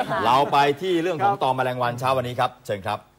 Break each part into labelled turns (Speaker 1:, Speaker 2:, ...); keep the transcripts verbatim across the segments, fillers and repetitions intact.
Speaker 1: เราไปที่เรื่องของตอมแมลงวันเช้าวันนี้ครับเชิญครับ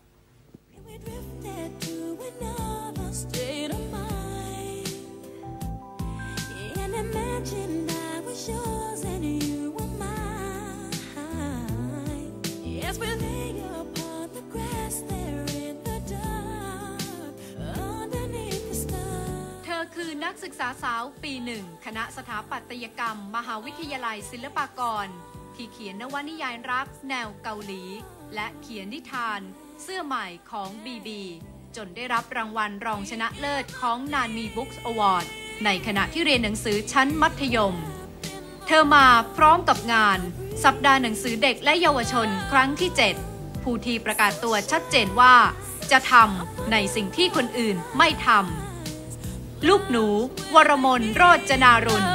Speaker 2: คือนักศึกษาสาวปีหนึ่งคณะสถาปัตยกรรมมหาวิทยาลัยศิลปากรที่เขียนนวนิยายรักแนวเกาหลีและเขียนนิทานเสื้อใหม่ของบีบีจนได้รับรางวัลรองชนะเลิศของนานมีบุ๊กส์อวอร์ดในขณะที่เรียนหนังสือชั้นมัธยมเธอมาพร้อมกับงานสัปดาห์หนังสือเด็กและเยาวชนครั้งที่เจ็ดผู้ที่ประกาศตัวชัดเจนว่าจะทำในสิ่งที่คนอื่นไม่ทำลูกหนูวรมน โรจนารุณ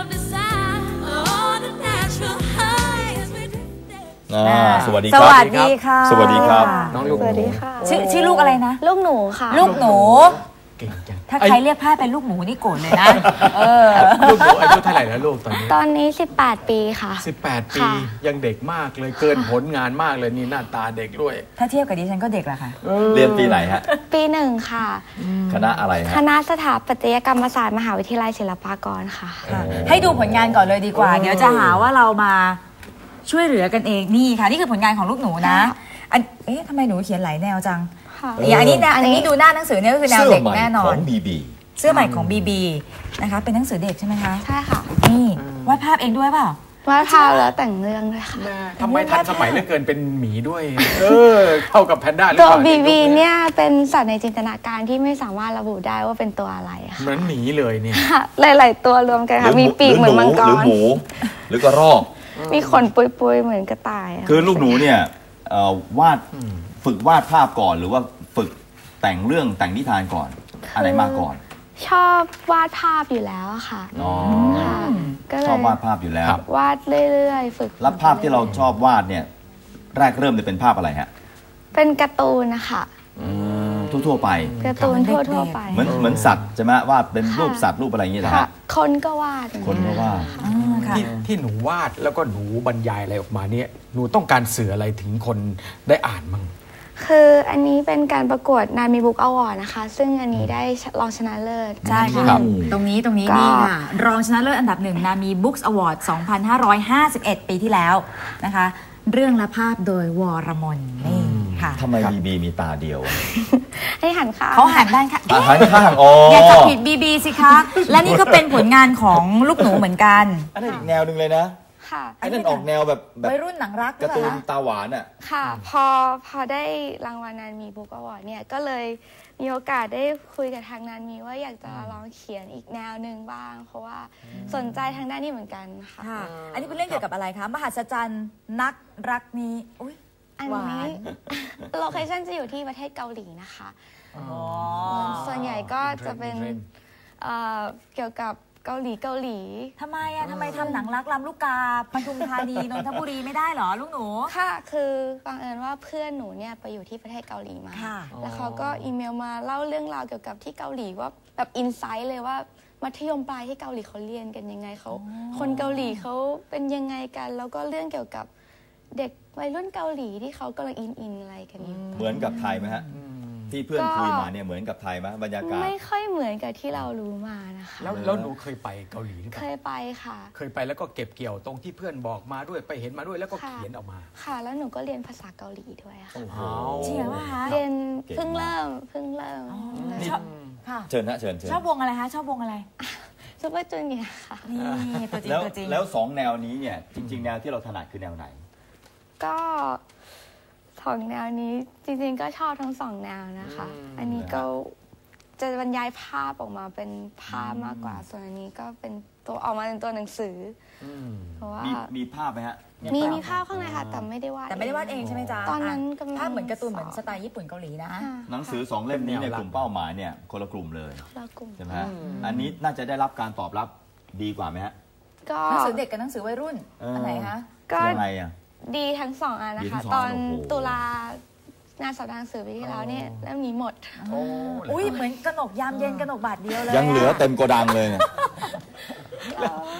Speaker 1: สวัสดีครับ
Speaker 3: สวัสดีค่ะ
Speaker 1: สวัสดีครับ
Speaker 3: น้องลูกหนู
Speaker 4: ชื่อ
Speaker 3: ชื่อลูกอะไรนะ
Speaker 4: ลูกหนูค่ะ
Speaker 3: ลูกหนู
Speaker 1: เก่งจัง
Speaker 3: ถ้าใครเรียกพ่าเป็นลูกหมูนี่โกรธเลยนะเออ
Speaker 5: ลูกหนูอายุเท่าไหร่แล้วลูกตอนนี้
Speaker 4: ตอนนี้สิบแปดปีค่ะ
Speaker 5: สิบแปดปียังเด็กมากเลยเกินผลงานมากเลยนี่หน้าตาเด็กด้วย
Speaker 3: ถ้าเทียบกับดิฉันก็เด็กแหละค่ะ
Speaker 1: เรียนปีไหนฮะ
Speaker 4: ปีหนึ่งค่ะ
Speaker 1: คณะอะไรฮะ
Speaker 4: คณะสถาปัตยกรรมศาสตร์มหาวิทยาลัยศิลปากรค่ะ
Speaker 3: ให้ดูผลงานก่อนเลยดีกว่าเดี๋ยวจะหาว่าเรามาช่วยเหลือกันเองนี่ค่ะนี่คือผลงานของลูกหนูนะอันเอ๊ะทำไมหนูเขียนหลายแนวจังอย่างอันนี้นะอันนี้ดูหน้าหนังสือเนี่ยก็คือแนวเด็กแน่นอน
Speaker 1: ของบีบี
Speaker 3: เสื้อใหม่ของบีบีนะคะเป็นหนังสือเด็กใช่ไหมคะ
Speaker 4: ใช่ค่ะ
Speaker 3: นี่วาดภาพเองด้วยเปล่
Speaker 4: าวาดภาพแล้วแต่งเรื่องด้วยค่ะ
Speaker 5: ทำไมทันสมัยเหลือเกินเป็นหมีด้วยเออเข้ากับแพนด้า
Speaker 4: ตัวบีบีเนี่ยเป็นสัตว์ในจินตนาการที่ไม่สามารถระบุได้ว่าเป็นตัวอะไรค่ะ
Speaker 5: เหมือนหมีเลยเนี่ย
Speaker 4: หลายๆตัวรวมกันค่ะมีปีกเหมือนมังกร
Speaker 1: หรือหมูหรือกระรอก
Speaker 4: มีขนปุยๆเหมือนกระต่าย
Speaker 1: คือลูกหนูเนี่ยวาดฝึกวาดภาพก่อนหรือว่าฝึกแต่งเรื่องแต่งนิทานก่อนอะไรมาก่อน
Speaker 4: ชอบวาดภาพอยู่แล้วค่ะ
Speaker 1: อ๋อ
Speaker 4: ก็เลย
Speaker 1: ชอบวาดภาพอยู่แล้ว
Speaker 4: วาดเรื่อยๆฝึก
Speaker 1: แล้วภาพที่เราชอบวาดเนี่ยแรกเริ่มจะเป็นภาพอะไรฮะ
Speaker 4: เป็นการ์ตูนนะคะ
Speaker 1: ทั่วๆไป
Speaker 4: การ์ตูนทั่วๆไป
Speaker 1: เหมือนเหมือนสัตว์ใช่ไหมวาดเป็นรูปสัตว์รูปอะไรอย่างเงี้ยนะ
Speaker 4: คนก็วาด
Speaker 1: คนก็วาด
Speaker 5: ที่ที่หนูวาดแล้วก็หนูบรรยายอะไรออกมาเนี่ยหนูต้องการสื่ออะไรถึงคนได้อ่านมั้ง
Speaker 4: คืออันนี้เป็นการประกวดนานมีบุ๊กอวอร์ดนะคะซึ่งอันนี้ได้รองชนะเลิศ
Speaker 3: ใช่ค่ะตรงนี้ตรงนี้นี่ค่ะรองชนะเลิศอันดับหนึ่งนามีบุ๊กอวอร์ดสองพันห้าร้อยห้าสิบเอ็ดปีที่แล้วนะคะเรื่องและภาพโดยวรมนนี่ค่ะ
Speaker 1: ทำไมบีบีมีตาเดียว
Speaker 4: ให้หันข้าง
Speaker 3: เขาหันด้านข้าง
Speaker 1: หันข้างอ๋อ
Speaker 3: อย่าจับผิดบีบีสิคะและนี่ก็เป็นผลงานของลูกหนูเหมือนกัน
Speaker 1: อันนั้นอีกแนวหนึ่งเลยนะไอ้นั่นออกแนวแบบ
Speaker 3: วัยรุ่นหนังรัก
Speaker 1: การ์ตูนตาหวานอ่ะ
Speaker 4: ค่ะพอพอได้รางวัลนานมีบุ๊กอวอร์ดเนี่ยก็เลยมีโอกาสได้คุยกับทางนานมีว่าอยากจะลองเขียนอีกแนวหนึ่งบ้างเพราะว่าสนใจทางด้านนี้เหมือนกันค่ะ
Speaker 3: อันนี้เป็นเรื่องเกี่ยวกับอะไรคะมหัศจรรย์นักรักนี้อุ้ย
Speaker 4: อันนี้โลเคชั่นจะอยู่ที่ประเทศเกาหลีนะคะส่วนใหญ่ก็จะเป็นเกี่ยวกับเกาหลีเกาหลี
Speaker 3: ทำไมอะทำไมทำหนังรักลำลูกกาปทุมธานีนนทบุรีไม่ได้หรอลูกหนู
Speaker 4: ค่ะคือบังเอิญว่าเพื่อนหนูเนี่ยไปอยู่ที่ประเทศเกาหลีมาแล้วเขาก็อีเมลมาเล่าเรื่องราวเกี่ยวกับที่เกาหลีว่าแบบอินไซต์เลยว่ามัธยมปลายที่เกาหลีเขาเรียนกันยังไงเขาคนเกาหลีเขาเป็นยังไงกันแล้วก็เรื่องเกี่ยวกับเด็กวัยรุ่นเกาหลีที่เขากำลังอินอินอะไรกันอยู่
Speaker 1: เหมือนกับไทยไหมฮะที่เพื่อนคุยมาเนี่ยเหมือนกับไทยไหมบรรยากาศ
Speaker 4: ไม่ค่อยเหมือนกับที่เรารู้มานะคะ
Speaker 5: แล้วแล้วหนูเคยไปเกาหลีหรือเปล่า
Speaker 4: เคยไปค่ะ
Speaker 5: เคยไปแล้วก็เก็บเกี่ยวตรงที่เพื่อนบอกมาด้วยไปเห็นมาด้วยแล้วก็เขียนออกมา
Speaker 4: ค่ะแล้วหนูก็เรียนภาษาเกาหลีด้วยค่ะ
Speaker 3: จริงเหรอคะ
Speaker 4: เรียนเพิ่งเริ่มเพิ่งเริ่ม
Speaker 1: เชิญนะเชิญ
Speaker 3: ชอบวงอะไรคะชอบวงอะไร
Speaker 4: ซุปเปอร์จูเนียร์ค่ะ
Speaker 3: นี่ตัวจริงตัวจริง
Speaker 1: แล้วสองแนวนี้เนี่ยจริงๆแนวที่เราถนัดคือแนวไหน
Speaker 4: ก็สองแนวนี้จริงๆก็ชอบทั้งสองแนวนะคะอันนี้ก็จะบรรยายภาพออกมาเป็นภาพมากกว่าส่วนอันนี้ก็เป็นตัวออกมาเป็นตัวหนังสือเพราะว่า
Speaker 1: มีภาพไหมฮะ
Speaker 4: มีมีภาพข้างในค่ะแต่ไม่ได้วาด
Speaker 3: แต่ไม่ได้วาดเองใช่ไหมจ๊ะ
Speaker 4: ตอนนั้น
Speaker 3: ภาพเหมือนการ์ตูนเหมือนสไตล์ญี่ปุ่นเกาหลีนะ
Speaker 1: หนังสือสองเล่มนี้เนี่ยกลุ่มเป้าหมายเนี่ยคนละกลุ่มเลยใช่ไหมฮะอันนี้น่าจะได้รับการตอบรับดีกว่าไหมฮะ
Speaker 3: หนังสือเด็กกับหนังสือวัยรุ่นอันไหนคะ
Speaker 4: ก็
Speaker 1: ยังไงอ่ะ
Speaker 4: ดีทั้งสองอันนะคะตอนตุลางานสัปดาห์หนังสือปีที่แล้วเนี่ยเล่มนี้หมด
Speaker 3: อุ้ยเหมือนกนกยามเย็นกนกบาทเดียวเลย
Speaker 1: ยังเหลือเต็มโกดังเลย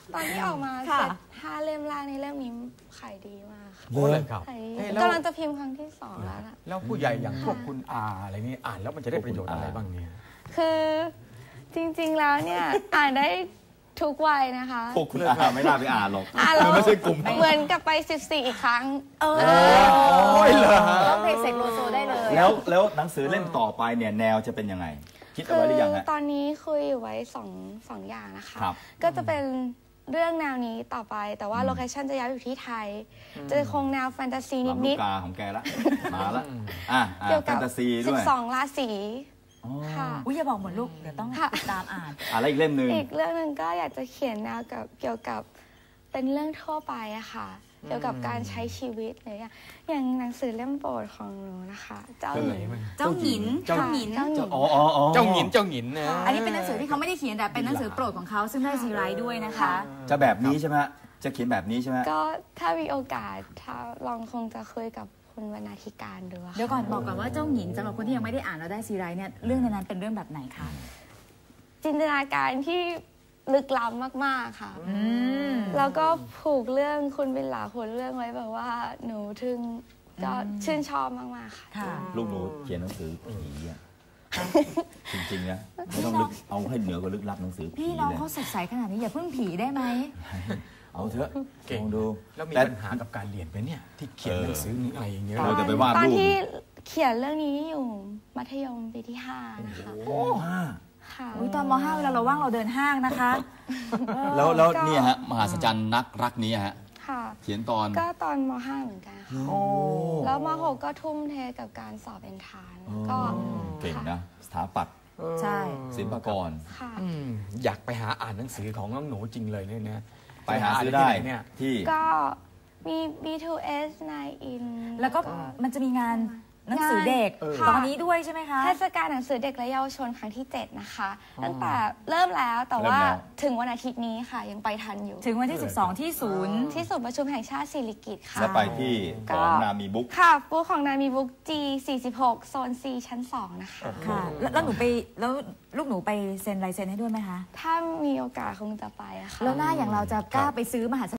Speaker 4: ตอนที่ออกมา
Speaker 3: ค่ะ
Speaker 4: เสร็จห้าเล่มแรกในเล่มนี้ขายดีมากค่ะ
Speaker 5: โอ้เลยครับ
Speaker 4: ขายดี
Speaker 5: เอ๊ะแล้ว
Speaker 4: กำลังจะพิมพ์ครั้งที่สองแล้วนะ
Speaker 5: แล้วผู้ใหญ่อย่างพวกคุณอาอะไรนี่อ่านแล้วมันจะได้ประโยชน์อะไรบ้างเนี่ย
Speaker 4: คือจริงๆแล้วเนี่ย อ่านได้ทุกวัยนะคะ
Speaker 1: พวกคุณอาไม่น่าไปอ่านหรอก
Speaker 4: อ่านแล้ว
Speaker 1: ไม่ใช่กลุ่ม
Speaker 4: เหมือนกับไปสิบสี่อีกครั้ง
Speaker 3: เออ
Speaker 5: โอ้ยเหรอ
Speaker 3: ร้องเพลงเสกโลโซได้เลย
Speaker 1: แล้วแล้วหนังสือเล่มต่อไปเนี่ยแนวจะเป็นยังไง คิดเอา
Speaker 4: คื
Speaker 1: ไว้หรือยังฮะ
Speaker 4: ตอนนี้คุยอยู่ไว้สองสองอย่างนะคะ
Speaker 1: ครับ
Speaker 4: ก็จะเป็นเรื่องแนวนี้ต่อไป แต่ว่าโลเคชั่นจะย้ายอยู่ที่ไทย จะคงแนวแฟนตาซี
Speaker 1: ลำลู
Speaker 4: นิ
Speaker 1: ก
Speaker 4: ด
Speaker 1: กาของแกละมาละอ่ะ
Speaker 4: ๆ
Speaker 1: อ่ะ
Speaker 4: เกี่ยว
Speaker 1: แฟ
Speaker 4: กับ
Speaker 1: นตาซีด้วย
Speaker 4: สิบสองราศี
Speaker 1: อ๋อ
Speaker 4: ค่ะ
Speaker 3: อุ้ยอย่าบอกหมดลูก เดี๋ยวต้อง
Speaker 4: ค่ะ
Speaker 3: ติดตามอ่าน
Speaker 1: อะไรอีกเล่มหนึ่ง
Speaker 4: อีกเรื่องหนึ่งก็อยากจะเขียนแนวกับเกี่ยวกับเป็นเรื่องทั่วไปอะค่ะ เกี่ยวกับการใช้ชีวิตอะไรอย่างอย่างหนังสือเล่มโปรดของหนูนะคะ เจ้า
Speaker 1: เออ
Speaker 4: หญิง
Speaker 3: เจ้าหญิน
Speaker 5: เจ้า
Speaker 3: เจ้าหญิน
Speaker 4: เจ้าหญิง
Speaker 1: อ๋ออ๋ออ๋อ
Speaker 5: เจ้าหญินเจ้าหญินนะ
Speaker 3: อันนี้เป็นหนังสือที่เขาไม่ได้เขียนแต่เป็นหนังสือโปรดของเขาซึ่งได้ซีไรต์ด้วยนะคะ
Speaker 1: จะแบบนี้ใช่ไหมฮะจะเขียนแบบนี้ใช่ไหมฮะ
Speaker 4: ก็ถ้ามีโอกาสถ้าลองคงจะคุยกับคุณวรรณาธิการดูอะค่ะ
Speaker 3: เดี๋ยวก่อนบอกก่อนว่าเจ้าหญินสำหรับคนที่ยังไม่ได้อ่านแล้วได้ซีไรต์เนี่ยเรื่องในนั้นเป็นเรื่องแบบไหนคะ
Speaker 4: จินตนาการที่ลึกล้ำมากๆค่ะ
Speaker 3: อืม
Speaker 4: แล้วก็ผูกเรื่องคุณบิลลาผูกเรื่องไว้แบบว่าหนูถึงก็ชื่นชอบมากๆค่ะ
Speaker 3: ค่ะ
Speaker 1: ลูกหนูเขียนหนังสือผีอ่ะจริงๆนะไม่ต้องลึกเอาให้เหนือกว่าลึกลับหนังสือผี
Speaker 3: พี่น้อง
Speaker 1: เลย
Speaker 3: เขาสดใสขนาดนี้อย่าเพิ่งผีได้ไหม
Speaker 1: เอาเถอะ
Speaker 5: เก่ง
Speaker 1: ลองดู
Speaker 5: แล้วมี
Speaker 1: แต่
Speaker 5: ปัญหากับการเรียนไหมเนี่ยที่เขียนหนังสืออะไรอย่างเงี้ย
Speaker 1: เออแต่ไปวาด
Speaker 4: ตอน
Speaker 1: รูป
Speaker 4: ที่เขียนเรื่องนี้อยู่มัธยมปีที่ห้านะคะ
Speaker 1: โอ้ห้า
Speaker 4: ค่ะ
Speaker 3: อุ้ยตอนม .ห้า เวลาเราว่างเราเดินห้างนะคะ
Speaker 1: แล้วแล้ว
Speaker 4: ก็
Speaker 1: เนี่ยฮะมหาสัจจรรย์นักรักนี้ฮะ
Speaker 4: ค่ะ
Speaker 1: เขียนตอน
Speaker 4: ก็ตอนม ห้าเหมือนกันค่ะ
Speaker 3: โอ้
Speaker 4: แล้วม หกก็ทุ่มเทกับการสอบเอนทรานซ์ก็
Speaker 1: เก่งนะ สถาปัตย์
Speaker 3: ใช่
Speaker 1: ศิลปากร
Speaker 4: ค่ะ
Speaker 5: อืมอยากไปหาอ่านหนังสือของน้องหนูจริงเลยเนี่ยนะ
Speaker 1: ไปหาซื้อได้
Speaker 5: ที่หนเนี่ย
Speaker 1: ที่
Speaker 4: ก็มี บี ทู เอส ไนน์ อิน
Speaker 3: แล้วก็มันจะมีงานหนังสือเด็ก
Speaker 4: เออ
Speaker 3: ตอนนี้ด้วยใช่ไหมคะ
Speaker 4: เทศกาลหนังสือเด็กและเยาวชนครั้งที่ เจ็ด นะคะ ตั้งแต่เริ่มแล้วแต่ว่า
Speaker 1: เริ่มแล้ว
Speaker 4: ถึงวันอาทิตย์นี้ค่ะ ยังไปทันอยู่
Speaker 3: ถึงวันที่ สิบสอง ที่ศูนย์
Speaker 4: ที่ศูนย์ประชุมแห่งชาติสิริกิติ์ค่ะ
Speaker 1: แล้วไปที่ของนามีบุ๊ก
Speaker 4: ค่ะบูธของนามีบุ๊ก จี สี่สิบหก โซน C ชั้น สอง นะคะ
Speaker 3: ค่ะแล้วแล้วหนูไปแล้วลูกหนูไปเซ็นลายเซ็นให้ด้วยไหมคะ
Speaker 4: ถ้ามีโอกาสคงจะไปอะค่ะ
Speaker 3: แล้วหน้าอย่างเราจะกล้าไปซื้อมหา